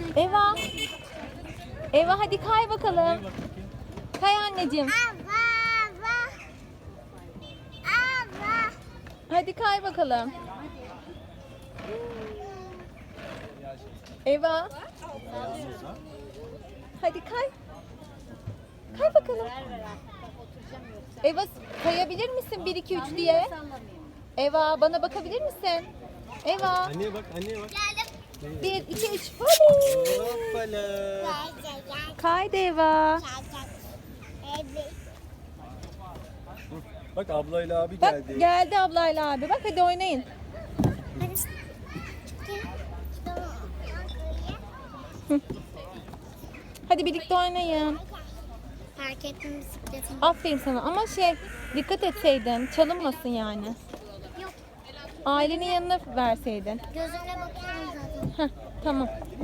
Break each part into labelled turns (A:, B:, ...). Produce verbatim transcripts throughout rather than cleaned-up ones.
A: Eva. Eva hadi kay bakalım. Kay anneciğim. Hadi kay bakalım. Eva. Hadi kay. Kay bakalım. Eva kayabilir misin bir iki üç diye? Eva bana bakabilir misin? Eva.
B: Anneye bak, anneye bak.
A: bir iki üç. Hadi.
B: Hoppala.
A: Kaydı Eva.
B: Bak ablayla abi
A: Bak
B: geldi.
A: geldi ablayla abi. Bak hadi oynayın. Hadi birlikte oynayın.
C: Fark ettim bisikletim.
A: Aferin sana ama şey dikkat etseydin çalınmasın yani.
C: Yok.
A: Ailenin yanına verseydin.
C: Gözümle bakıyorum zaten.
A: Heh, tamam.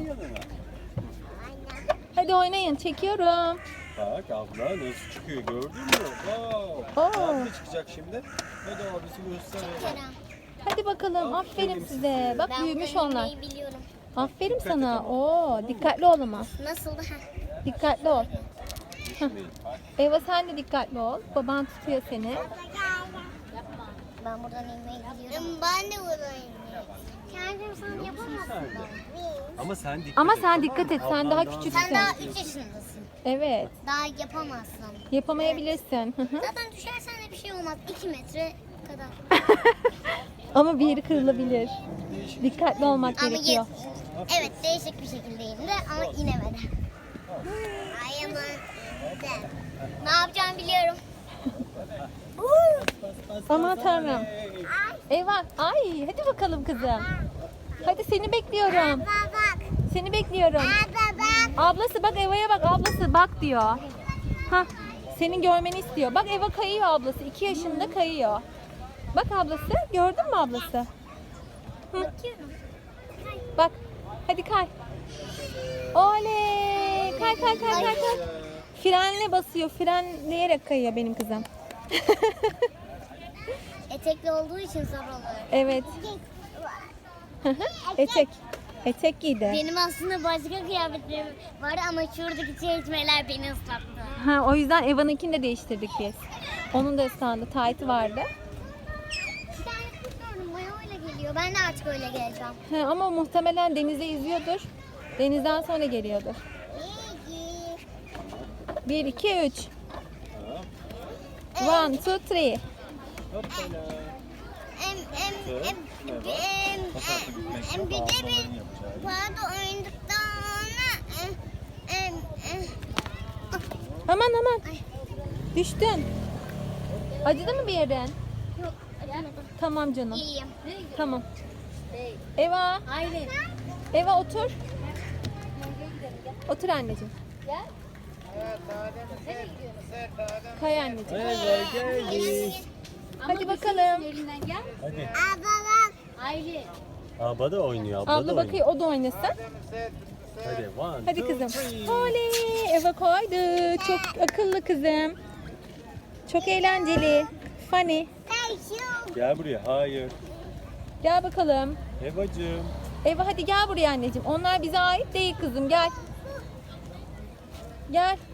A: Hadi oynayın çekiyorum.
B: Bak abla nasıl çıkıyor gördün mü? Wow.
A: Oo.
B: Abi de çıkacak şimdi. Hadi abisi göster.
C: Kerem.
A: Hadi bakalım aferin size. Bak
C: Ben
A: büyümüş
C: buradan
A: onlar.
C: inmeyi biliyorum.
A: Aferin sana. Oo dikkatli ol ama.
C: Nasıldı? Heh.
A: Dikkatli ol. Heh. Eva sen de dikkatli ol. Baban tutuyor seni.
C: Ben buradan inmeyi biliyorum. Ben de buradan inmeyi. Kendim sen yapamazsın.
B: Ama sen dikkat
A: Ama
B: et,
A: sen
B: tamam
A: dikkat
B: mı?
A: et. Sen
B: Ablan
A: daha
C: Sen
A: küçüksün.
C: daha üç yaşındasın.
A: Evet.
C: Daha yapamazsın.
A: Yapamayabilirsin. Hı hı.
C: Zaten düşersen de bir şey olmaz. iki metre kadar.
A: Ama bir yeri kırılabilir. Dikkatli olmak
C: Ama
A: gerekiyor.
C: yet- evet değişik bir şekilde indi ama inemedi. Ay ama ne yapacağımı biliyorum.
A: Aman tanrım. Eyvah. Ay hadi bakalım kızım. Hadi seni bekliyorum.
C: Bak.
A: Seni bekliyorum.
C: Baba bak.
A: Ablası bak Eva'ya bak ablası bak diyor. Ha, senin görmeni istiyor. Bak Eva kayıyor ablası. iki yaşında kayıyor. Bak ablası. Gördün mü ablası? Hı.
C: Bakıyorum.
A: Bak. Hadi kay. Oley. Kay kay kay kay kay. Frenle basıyor. Frenleyerek kayıyor benim kızım.
C: Etekli olduğu için zor oluyor.
A: Evet. Etek. Etek giydi.
C: Benim aslında başka kıyafetlerim vardı ama şuradaki çeşmeler beni ıslattı.
A: Ha, o yüzden Eva'nınkini de değiştirdik biz. Onun da ıslandı. Taytı vardı.
C: Bir tane kız gördüm bana öyle geliyor. Ben de artık öyle geleceğim.
A: Ha, ama muhtemelen denize yüzüyordur. Denizden sonra geliyordur.
C: İyi.
A: bir, iki, üç. one, two, three.
B: Hoppala.
C: Em em em em em em bir de bir pardon oynadıktan sonra em em em
A: Aman aman.
C: Ay.
A: Düştün. Acıdı mı bir yerin?
C: Yok acımadı.
A: Tamam canım.
C: İyiyim.
A: Tamam. Eva.
C: Hayır.
A: Eva otur. Otur anneciğim. Kay anneciğim.
B: Eva geldi.
A: Hadi bakalım.
B: Hadi.
C: Abla bak.
B: Abla da oynuyor. Abla, da
A: Abla
B: oynuyor.
A: bakıyor o da oynasın.
B: Hadi one,
A: Hadi
B: two,
A: kızım.
B: three.
A: Oley! Eva koydu. Çok akıllı kızım. Çok eğlenceli. Funny.
C: Thank you.
B: Gel buraya. Hayır.
A: Gel bakalım.
B: Evacığım.
A: Eva hadi gel buraya anneciğim. Onlar bize ait değil kızım. Gel. Gel.